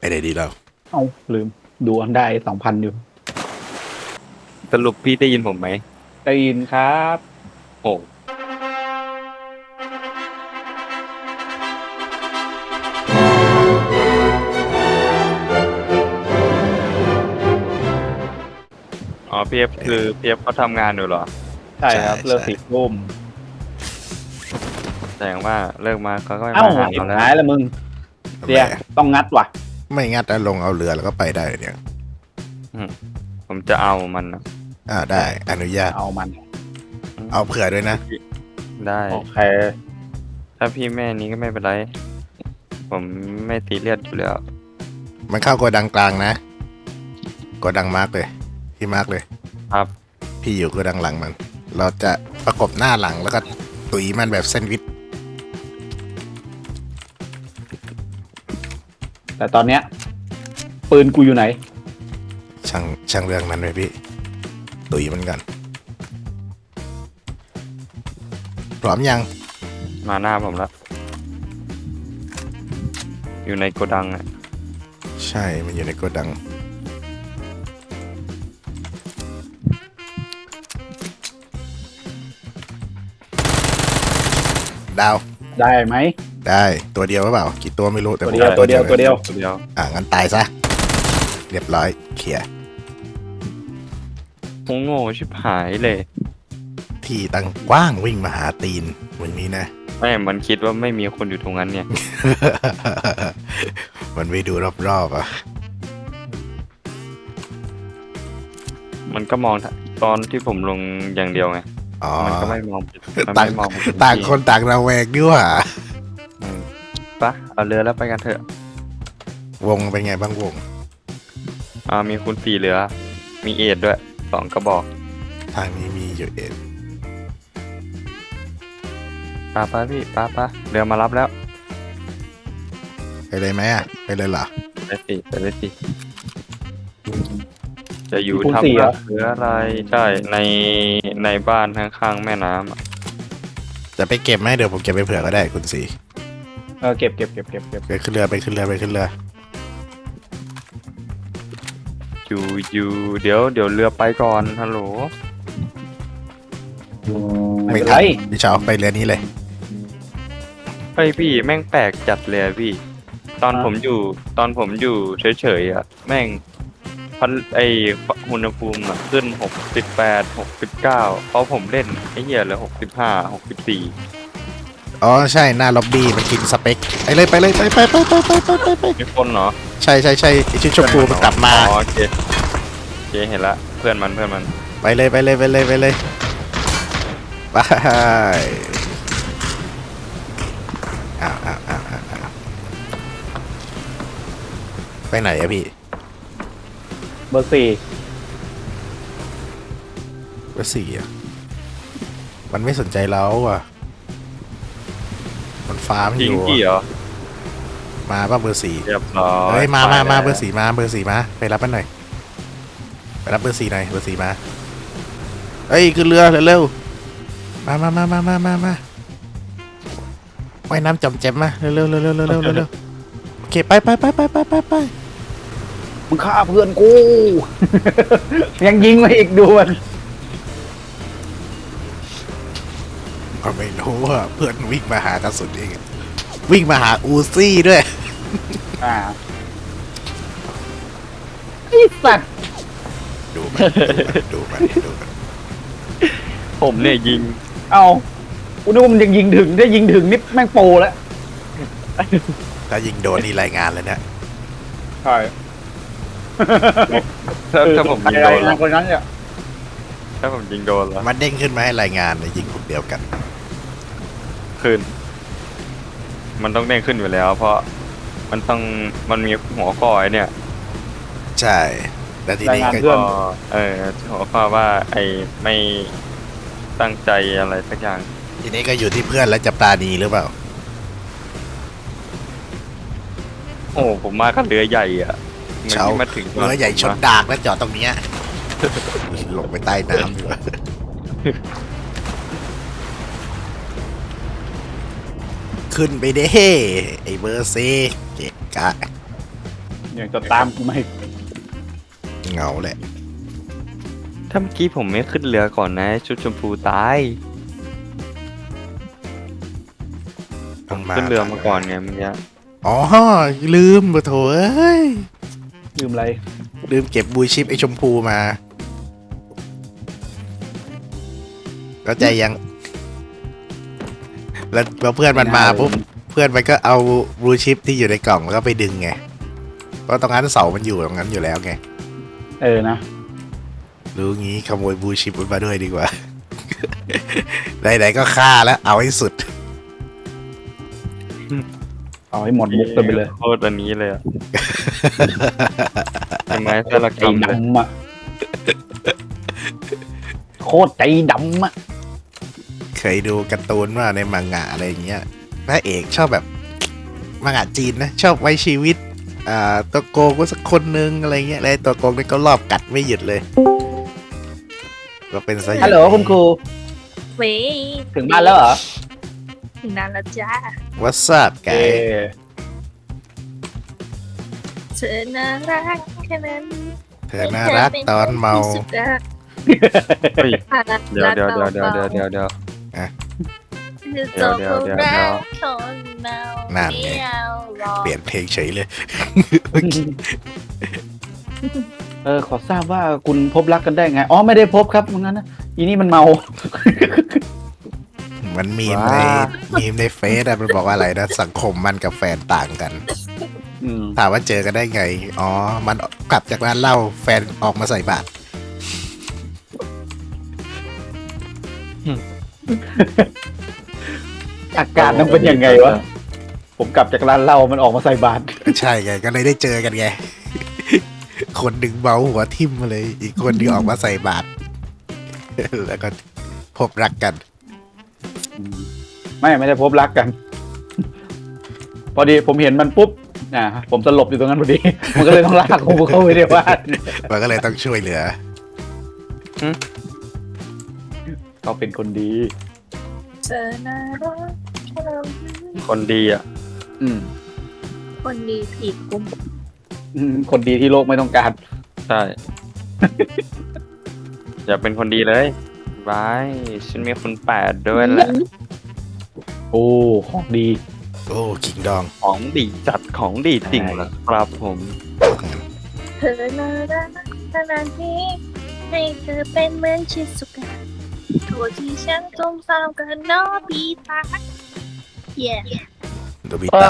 ไปไหนดีเราเอ้าลืมดูอันได้2,000อยู่สรุปพี่ได้ยินผมไหมได้ยินครับโอ้อ๋อพีเอฟคือพีเอฟเขาทำงานอยู่เหรอใช่ครับเลิก4 ทุ่มแสดงว่าเลิกมาเขาก็ไม่เอ้ามาหาอิบเราแล้วหายแล้วมึงเดี๋ยวต้องงัดว่ะไม่งัดแล้วลงเอาเรือแล้วก็ไปได้เนี่ยผมจะเอามันนะได้อนุญาตเอามันเอาเผื่อด้วยนะได้โอเคถ้าพี่แม่นี้ก็ไม่เป็นไร ผมไม่ตีเลียดอยู่แล้วมันเข้าโกดังกลางนะโกดังมาร์กเลยพี่มาร์กเลยครับพี่อยู่โกดังหลังมัน เราจะประกบหน้าหลังแล้วก็ตุยมันแบบแซนด์วิชแต่ตอนเนี้ยปืนกูอยู่ไหนช่างเรื่องมันเลยพี่ตุยมันกันพร้อมยังมาหน้าผมแล้ว อยู่ในโกดังอ่ะใช่มันอยู่ในโกดังดาวได้ไหมได้ตัวเดียวหรือเปล่ากี่ตัวไม่รู้แต่ตัวเดียวตัวเดียวงั้นตายซะเรียบร้อยเคลียร์โง่ชิบหายเลยที่ตั้งกว้างวิ่งมาหาตีนวันนี้นะไม่มันคิดว่าไม่มีคนอยู่ตรงนั้นเนี่ยมันไปดูรอบๆอ่ะมันก็มองตอนที่ผมลงอย่างเดียวไงมันก็ไม่มองมันต่างไม่มองต่างคนต่างระแวงด้วยปะเอาเรือแล้วไปกันเถอะวงเป็นไงบ้างวงมีคูณ4เหลือมีเอ็ดด้วย2 กระบอกทางนี้มีอยู่เอ็ดป้าพี่ป้าเรือมารับแล้วไปเลยไหมไปเลยเหรอไปเลยสิจะอยู่ทำหรืออะไรใช่ในบ้านข้างๆแม่น้ำจะไปเก็บไหมเดี๋ยวผมเก็บไปเผื่อก็ได้คุณสีเก็บไปขึ้นเรืออยู่เดี๋ยวเรือไปก่อนฮัลโหลไม่ทันพี่เช้าไปเรือนี้เลยไปพี่แม่งแปลกจัดเลยพี่ตอนผมอยู่เฉยๆอ่ะแม่งอุณหภูมิขึ้น68 69เพราะผมเล่นไอ้เหี้ยเลย65 64 อ๋อใช่หน้าล็อบบี้มันกินสเปคไปเลยไปมีคนเหรอใช่ชุดชมพูมันกลับมาโอเคเห็นละเพื่อนมันไปเลยไปไปไหนอะพี่เบอร์ 4 อะมันไม่สนใจเราอ่ะมันฟ้ามันอยู่เหรอมาป่ะเบอร์ 4 เรียบร้อยเฮ้ยมาเบอร์ 4มาไปรับมันหน่อยไปรับเบอร์ 4หน่อยเบอร์ 4มาเฮ้ยขึ้นเรือเร็วมาว่ายน้ำจอมแจ่มมาเร็วโอเคไปมึงฆ่าเพื่อนกู ยังยิงมาอีกดวนก็ไม่รู้ว่าเพื่อนวิ่งมาหากระสุนเองวิ่งมาหาอูซี่ด้วยไอ้สัตว์ดูมันผมเนี่ยยิงเอากูนึกว่ามันยังยิงถึงได้ยิงถึงนี่แม่งโปรแล้วถ้ายิงโดนนี่รายงานเลยเนี่ยใช่ถ้าผมยิงโดนคนนั้นเนี่ยถ้าผมยิงโดนแล้วมันเด้งขึ้นมาให้รายงานเลยยิงกลุ่มเดียวกันขึ้นมันต้องเด้งขึ้นอยู่แล้วเพราะมันมีหัวข้อไอ้เนี่ยใช่แต่ทีนี้ก็หัวข้อว่าไอ้ไม่ตั้งใจอะไรสักอย่างทีนี้ก็อยู่ที่เพื่อนและจะปราณีหรือเปล่าโอ้ผมมาก็เรือใหญ่อ่ะเช้าเรือใหญ่ชนดากแล้วจอดตรงนี้ลงไปใต้น้ำดีกว่าขึ้นไปเด้ไอ้เบอร์ซีเกะกะยังจะตามกูไหมเหงาแหละถ้าเมื่อกี้ผมไม่ขึ้นเรือก่อนนะชุดชมพูตายต้องมาขึ้นเรือมาก่อนไงเมื่อกี้อ๋อลืมปะโถเอ้ยลืมอะไรลืมเก็บบูชิปไอชมพูมาเข้าใจยัง แล้วเพื่อนมันมาปุ๊บเพื่อนมันก็เอาบูชิปที่อยู่ในกล่องแล้วก็ไปดึงไงเพราะตรงนั้นเสามันอยู่ตรงนั้นอยู่แล้วไงเออนะรู้งี้ขโมยบูชิปมันมาด้วยดีกว่า ไหนๆก็ฆ่าแล้วเอาให้สุดเอาให้หมดมุกกันไปเลยโคตรอันนี้เลยอะทำไมสารกใจรรมเลยดำอ่ะโคตรใจดำอ่ะเคยดูการ์ตูนว่าในมังงะอะไรอย่างเงี้ยพระเอกชอบแบบมังงะจีนนะชอบไว้ชีวิตตัวโกงก็สักคนนึงอะไรเงี้ยแล้วไอ้ตัวโกงนี่ก็รอบกัดไม่หยุดเลย ก็เป็นซะอย่างนี้ฮัลโหลคุณครูเว้ยถึงบ้านแล้วเหรอถึงนานแล้วจ้าวัสดุไก่เธอน่ารักแค่นั้นเธอน่ารักตอนเมาที่สุดอะเฮ้ยผ่านรักเดี๋ยวเดี๋ยวเดี๋ยวเดี๋ยวเดี๋ยวเดี๋ยวคือจบความรักคนเมานั่นไงไม่เอาหรอกเปลี่ยนเพลงเฉยเลยขอทราบว่าคุณพบรักกันได้ไง อ๋อ ไม่ได้พบครับงั้นนะอีนี่มันเมามันมีมในเฟซอะมันบอกว่าอะไรนะสังคมมันกับแฟนต่างกันอืมถามว่าเจอกันได้ไง อ๋อ มันกลับจากร้านเหล้าแฟนออกมาใส่บาตรอาการนั้นเป็นยังไงวะ ผมกลับจากร้านเหล้ามันออกมาใส่บาตรใช่ไงก็เลยได้เจอกันไง คนหนึ่งเมาหัวทิ่มมาเลย อีกคนหนึงออกมาใส่บาตร แล้วก็พบรักกันไม่ได้พบรักกัน พอดีผมเห็นมันปุ๊บผมสลบอยู่ตรงนั้นพอดี มันก็เลยต้องลากผมเข้าไปในบ้านมันก็เลยต้องช่วยเหลือเขาเป็นคนดีเธอน่ารักแค่นั้นคนดีอ่ะอืมคนดีผีกุมคนดีที่โลกไม่ต้องการใช่ อย่าเป็นคนดีเลยบายฉันมีคนแปดด้วยแหละโอ้ของดีโอ้คิงดองของดีจัดของดีจริงเหรอครับผมเธอน่ารักขนาดนี้ให้เธอเป็นเหมือนชิสุกะโทษที่ฉันจมซ้ำกับน้องปีตาเย่โดบิตะ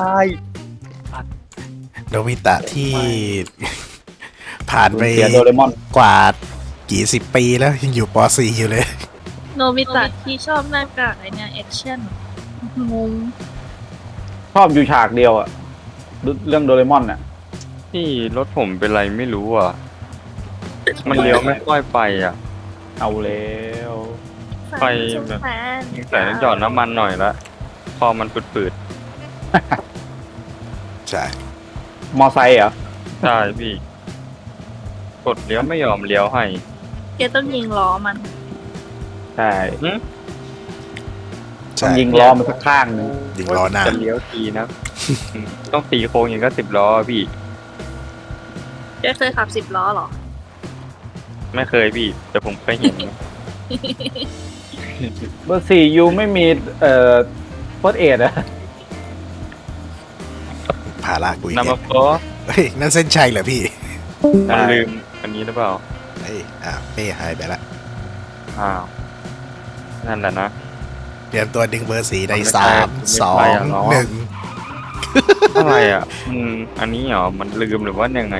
โดบิตะที่ ผ่านไปเสียโดเรมอนกว่ากี่สิบปีแล้วยังอยู่ป .4 อยู่เลยโนบิตะที่ชอบหน้ากากไอเนี่ยแอคชั่นงงชอบอยู่ฉากเดียวอะเรื่องโดเรมอนอะที่รถผมเป็นไรไม่รู้อ่ะ มันเลี้ยวไม่ค่อยไปอ่ะเอาแล้วไปแบบ แต่ต้องหยอดน้ำมันหน่อยละพอมันปืดใช่มอไซค์เหรอๆใช่พี่ กดเลี้ยวไม่ยอมเลี้ยวให้แกต้องยิงล้อมันใช่ใช่ต้องยิงล้อมันสักข้างหนึงยิงล้อหน้าจะเลี้ยวทีนะ ต้องตีโค้งอย่างก็10 ล้อพี่แกเคยขับ10 ล้อเหรอไม่เคยพี่ แต่ผมเคยเห็นเบอร์สี่ยูไม่มีเฟิร์สเอดอะพาลากกูอีกนำแล้มาว โค้เฮ้ยนั่นเส้นชัยเหรอพี่มันลืมอันนี้หรือเปล่าเฮ้ยเป้หายไปละอ้าว นั่นแหละนะเตรียมตัวดึงเบอร์สีในไม่ใช่ 3 ไม่ใช่อะเนาะ 2 1 อะไรอ่ะอันนี้เหรอ มันลืมหรือว่ายังไง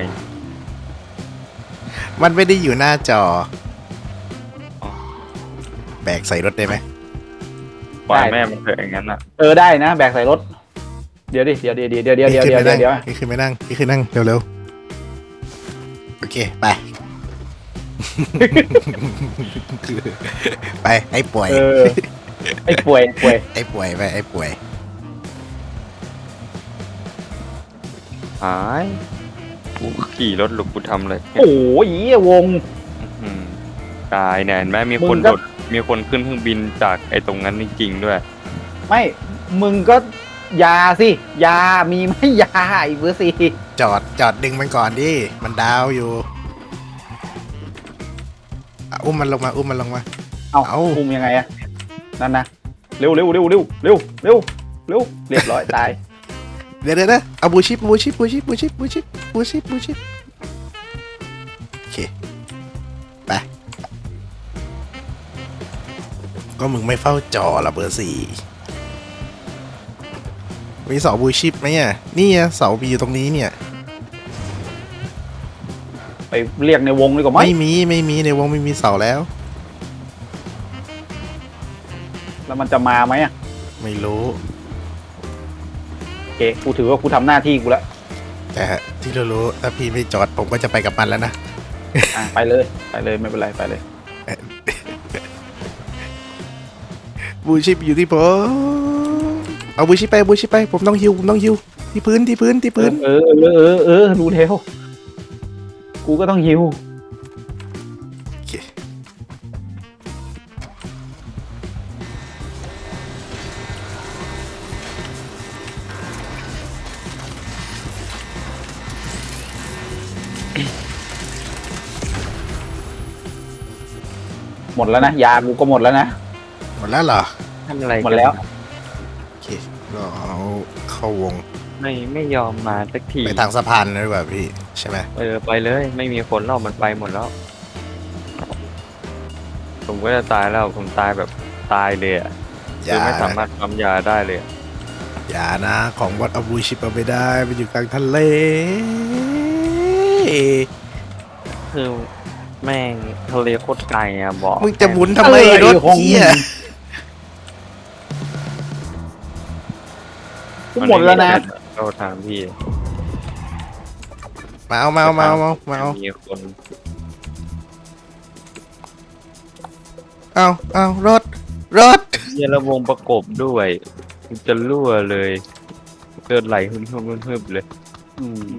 มันไม่ได้อยู่หน้าจออ๋อแบกใส่รถได้ไหมปล่อยแม่มันเถอะอย่างนั้นอ่ะได้นะ แบกใส่รถ เดี๋ยวดิเดี๋ยวพี่ขึ้นไปนั่งพี่ขึ้นนั่งเร็วๆโอเคไป ไปไอ้ป่วยไอ้ป่วยไอ้ป่วยไปไอ้ป่วยหายกูขี่รถหลุกกูทำเลยโอ้ยวงอืมตายเนี่ยเห็นไหมมีคนมึงก็โดดมีคนขึ้นเครื่องบินจากไอ้ตรงนั้นจริงๆด้วยไม่ มึงก็ยาสิยามีไหมยาไอ้เบอร์สี่จอดดึงมันก่อนดิมันดาวอยู่อ่ะอุ้มมันลงมาอุ้มมันลงมาเอาเอาคุมยังไงอะนั่นนะเร็วเร็วเร็วเร็วเร็วเร็วเร็วเรียบร้อยตายเดี๋ยวนะเอาบูชิปโอเคไปก็มึงไม่เฝ้าจอละเบอร์สี่มีเสาบูชิปไหมอ่ะนี่อ่ะเสามีอยู่ตรงนี้เนี่ยไปเรียกในวงดีกว่าไหมไม่มีในวงไม่มีเสาแล้วแล้วมันจะมาไหมอะไม่รู้โอเคกูถือว่ากูทำหน้าที่กูแล้วแต่ที่เรารู้ถ้าพี่ไม่จอดผมก็จะไปกับมันแล้วนะอ่ะไปเลยไม่เป็นไรไปเลยบูชิปอยู่ที่ผมเอาบูชิปไปผมต้องฮิวที่พื้นรู้แล้วกูก็ต้องหิวโอเคหมดแล้วนะยากูก็หมดแล้วนะหมดแล้วเหรอทำอะไรกันหมดแล้วโอเคเราเอาเข้าวงไม่ยอมมาสักทีไปทางสะพานเลยดีกว่าพี่ใช่ไหมไปเลยไม่มีคนรอบมันไปหมดแล้ว ผมก็จะตายแล้วผมตายแบบตายเลยอ่ะอคืย่าอไม่สามารถปั๊มยาได้เลยอะอย่านะของวัดเอาบูชิปเอาไปได้มันอยู่กลางทะเลคือแม่งทะเลโคตรไกลอ่ะบอกมึงจะหมุนทำไมรถเหี้ยกูหมดแล้วนะเราถามพี่มาเอามีคนเอารถเยระวงประกบด้วยมันจะรั่วเลยเกิดไหลหึ่มเลยอืม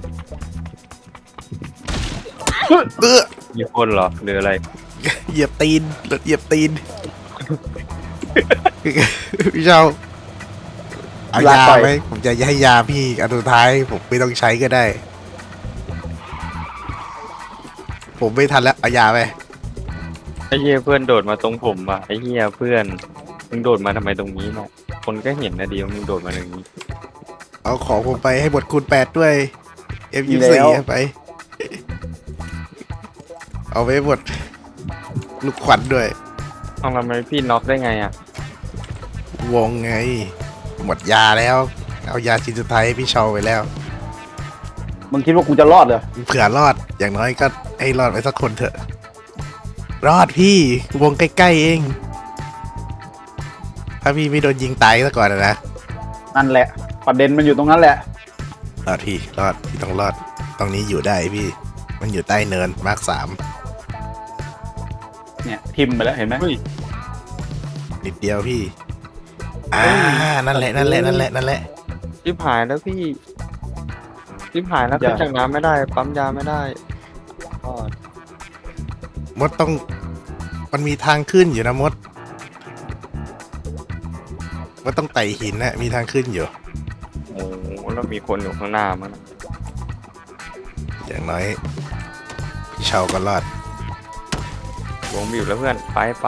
มีคนเหรอหรืออะไรเหยียบตีนรถเหยียบตีนพี่เจ้าเอายาไหมผมจะให้ยาพี่อันสุดท้ายผมไม่ต้องใช้ก็ได้ ผมไม่ทันแล้วเอายาไปไอ้เหี้ยเพื่อนโดดมาตรงผมอ่ะไอ้เหี้ยเพื่อนมึงโดดมาทำไมตรงนี้เนี่ยคนก็เห็นนะดีว่ามึงโดดมาตรงนี้เอาของผมไปให้หมดคูณ8ด้วย M24 ไป เอาไปหมดลูกขวัญด้วยเอาทำไมพี่น็อกได้ไงอ่ะวงไง หมดยาแล้ว เอายาชิ้นสุดท้ายให้พี่เชาไปแล้วมึงคิดว่ากูจะรอดเหรอเผื่อรอดอย่างน้อยก็ให้รอดไปสักคนเถอะ รอดพี่วงใกล้ๆเอง ถ้าพี่ไม่โดนยิงตายซะก่อนนะนั่นแหละ ประเด็นมันอยู่ตรงนั้นแหละรอดพี่รอดพี่ต้องรอดตรงนี้อยู่ได้พี่ มันอยู่ใต้เนินมาร์ค3 เนี่ยทิมไปแล้วเห็นไหมเฮ้ยนิดเดียวพี่นั่นแหละชิบหายแล้วพี่ชิบหายแล้วขึ้นจากน้ำไม่ได้ปั๊มยาไม่ได้ก็มดต้องมันมีทางขึ้นอยู่นะมดต้องไต่หินนะมีทางขึ้นอยู่โอ้โหแล้วมีคนอยู่ข้างหน้ามั้งนะอย่างน้อยพี่เชาก็รอดวงบีบแล้วเพื่อนไป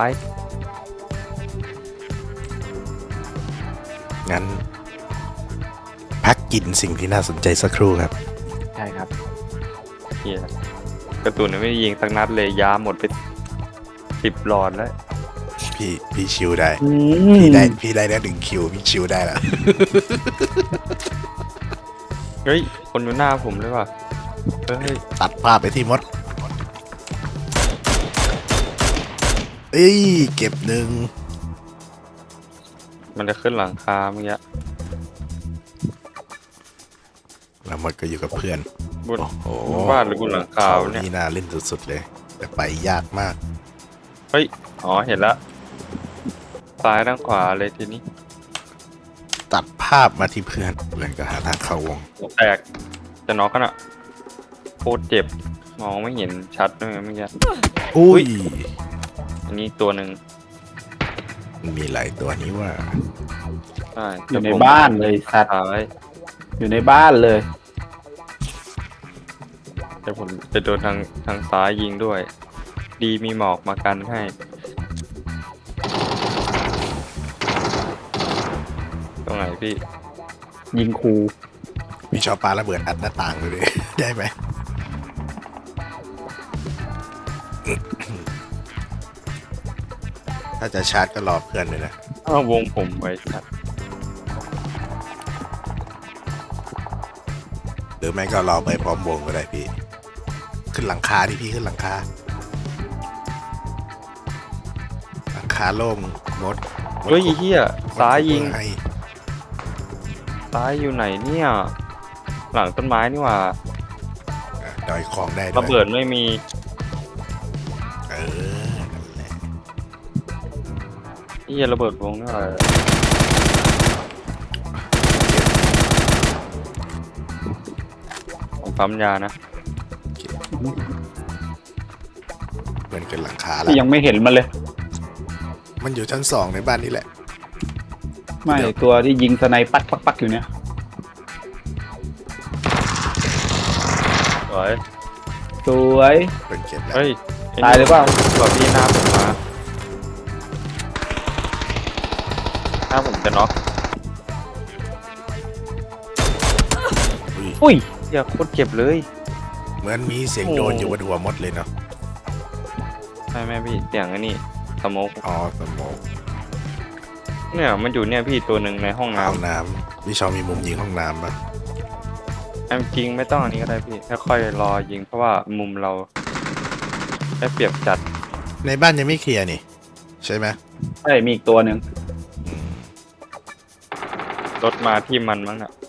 งั้น พักกินสิ่งที่น่าสนใจสักครู่ครับใช่ครับเฮียกระตุนไม่ได้ยิงสักนัดเลยยาหมดไป10 หลอดแล้วพี่ชิวได้อืมพี่ได้แล้ว1 คิวพี่ชิวได้แล้วเฮ้ยคนอยู่หน้าผมเลยว่ะเฮ้ยตัดภาพไปที่มดเอ้ยเก็บหนึ่งมันจะขึ้นหลังคาเมื่อกี้แล้วมดก็อยู่กับเพื่อนบนโอ้โหบ้านหรือบนหลังคาเขาเนี่ยนี่น่าเล่นสุดๆเลย แต่ไปยากมากเฮ้ยอ๋อเห็นละซ้ายด้านขวาเลยทีนี้ตัดภาพมาที่เพื่อนก็หาทางเข้าวงแตกจะน็อกกันอ่ะโคตรเจ็บมองไม่เห็นชัดเลยเมื่อกี้อุ้ยอันนี้อีกตัวหนึ่งมันมีหลายตัวนี้ว่าใช่อยู่ในบ้านเลยสัตว์ท้ายอยู่ในบ้านเลยแต่ผมจะโดนทางซ้ายยิงด้วย ดีมีหมอกมากันให้ตรงไหนพี่ยิงครูพี่ชอบปาระเบิดอัดหน้าต่างเลยดิ ได้ไหม ถ้าจะชาร์จก็รอเพื่อนเลยนะเอาวงผมไว้ครับหรือไม่ก็รอไปพร้อมวงก็ได้พี่ ขึ้นหลังคาดิพี่ขึ้นหลังคา หลังคาโล่งมดเฮ้ยไอ้เฮียซ้ายยิงให้ซ้ายอยู่ไหนเนี่ย หลังต้นไม้นี่หว่าดอยของได้ด้วยระเบิดไม่มีเออนั่นแหละเฮียระเบิดวงนี่หว่าผมปั๊มยานะเพื่อนขึ้นหลังคาละที่ยังไม่เห็นมันเลยมันอยู่ชั้น 2ในบ้านนี่แหละไม่ตัวที่ยิงสไนปักปักปักอยู่เนี่ยสวยสวยเพื่อนเก็บแล้วเฮ้ยไอ้นี่ตายเลยเปล่าแบบพี่หน้าผมมาหน้าผมจะน็อกอุ้ยอุ้ยเฮียโคตรเจ็บเลยเหมือนมีเสียงโดนอยู่บนหัวมดเลยเนาะใช่ไหมพี่เสียงไอ้นี่สโมกอ๋อสมองเนี่ยมันอยู่เนี่ยพี่ตัวหนึ่งในห้องน้ห้องน้ำพี่ชอบมีมุมยิงห้องน้ำปะำจริงไม่ต้องอันนี้ก็ได้พี่ค่อยๆรอยิงเพราะว่ามุมเราได้เปรียบจัดในบ้านยังไม่เคลียร์นี่ ใช่ไหมใช่มีอีกตัวหนึ่งอืมรถมาที่มันมั้งน่ะ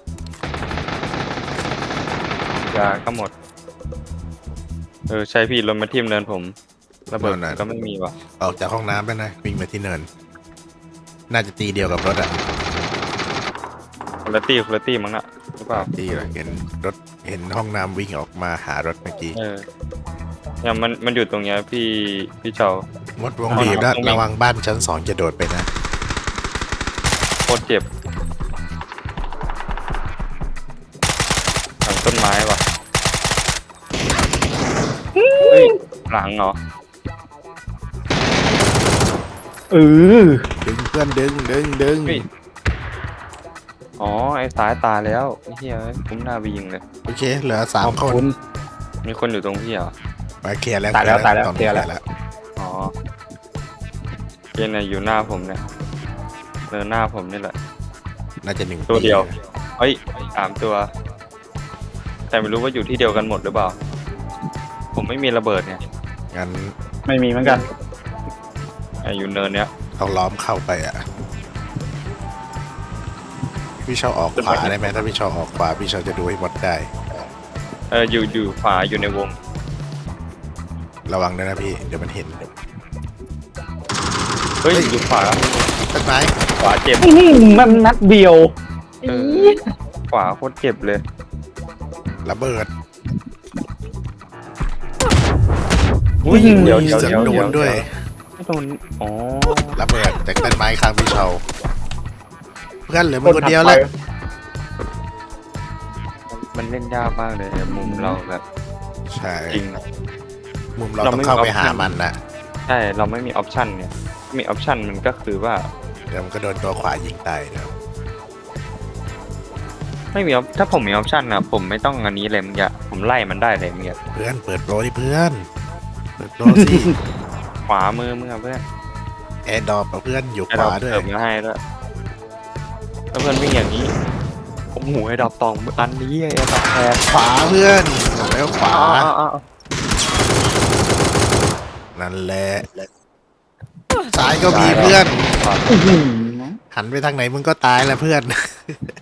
ยาก็หมดใช่พี่รถมาทิ่มเนินผมระเบิดก็ไม่มีว่ะออกจากห้องน้ำไปนะวิ่งไปที่เนิน น่าจะตีเดียวกับรถอะคุณภาพมั้งน่ะหรือเปล่าตีเหรอเห็นรถเห็นห้องน้ำวิ่งออกมาหารถเมื่อกี้เนี่ยมันอยู่ตรงเนี้ยพี่เจ้ามดวงบีบแล้วระวังบ้านชั้น 2จะโดดไปนะโคตรเจ็บหลังต้นไม้ว่ะเฮ้ยหลังเหรอเออดึงเพื่อนดึงเฮ้ย อ๋อไอ้สายตายแล้วไอ้เหี้ยผมหน้าไปยิงเลยโอเค เหลือ3 คนมีคนอยู่ตรงพี่เหรอมาเคลียร์แล้วตายแล้วตอนเคลีนี้ยร์เคลีแล้ยว ร์แล้วอ๋อเกณฑ์เนี่ยอยู่หน้าผมเนี่ยหน้าผมนี่แหละน่าจะ1 ตัวเดียว เฮ้ย3 ตัว แต่ไม่รู้ว่าอยู่ที่เดียวกันหมดหรือเปล่า ผมไม่มีระเบิดเนี่ยงั้นไม่มีเหมือนกันอยู่เนินเนี้ยต้องล้อมเข้าไปอ่ะ พี่ชอบออกขวาได้ไหมถ้าพี่ชอบออกขวาพี่ชอบจะดูให้หมดได้อยู่ขวาอยู่ในวงระวังด้วยนะพี่ เดี๋ยวมันเห็นเฮ้ยเฮ้ยอยู่ขวาต้นไม้ขวาเจ็บอื้อหือมันนัดเดียวขวาโคตรเจ็บเลยระเบิดอุ้ยเดี๋ยวเสียงโดนด้วยไม่โดนอ๋อระเบิดจากต้นไม้ข้างพี่เชาเพื่อนเหลือมันคนเดียวแล้วมันเล่นยากมากเลยมุมเราแบบใช่จริงมุมเราต้องเข้าไปหามันนะใช่เราไม่มีออปชันเนี่ยมีออปชันมันก็คือว่าเดี๋ยวมันก็โดนตัวขวายิงตายนะครับไม่มีถ้าผมมีออปชันนะผมไม่ต้องอันนี้เลยมึงอย่าผมไล่มันได้เลยมึงอย่าเพื่อนเปิดโปรดิเพื่อนเปิดโปรสิขวามือมึงอะเพื่อนแอร์ดรอปเพื่อนอยู่ไอ้ขดอวาก ด้วยเติมมาให้ด้วยแล้วเพื่อนวิ่งอย่างนี้โอ้โหไอ้ดอกตองอันนี้ไอ้ดอกแพงขวาเพื่อนบอกแล้วขวาอ๋อนั่นแหละซ้ายก็มีเพื่อนอื้อหือหันไปทางไหนมึงก็ตายแหละเพื่อน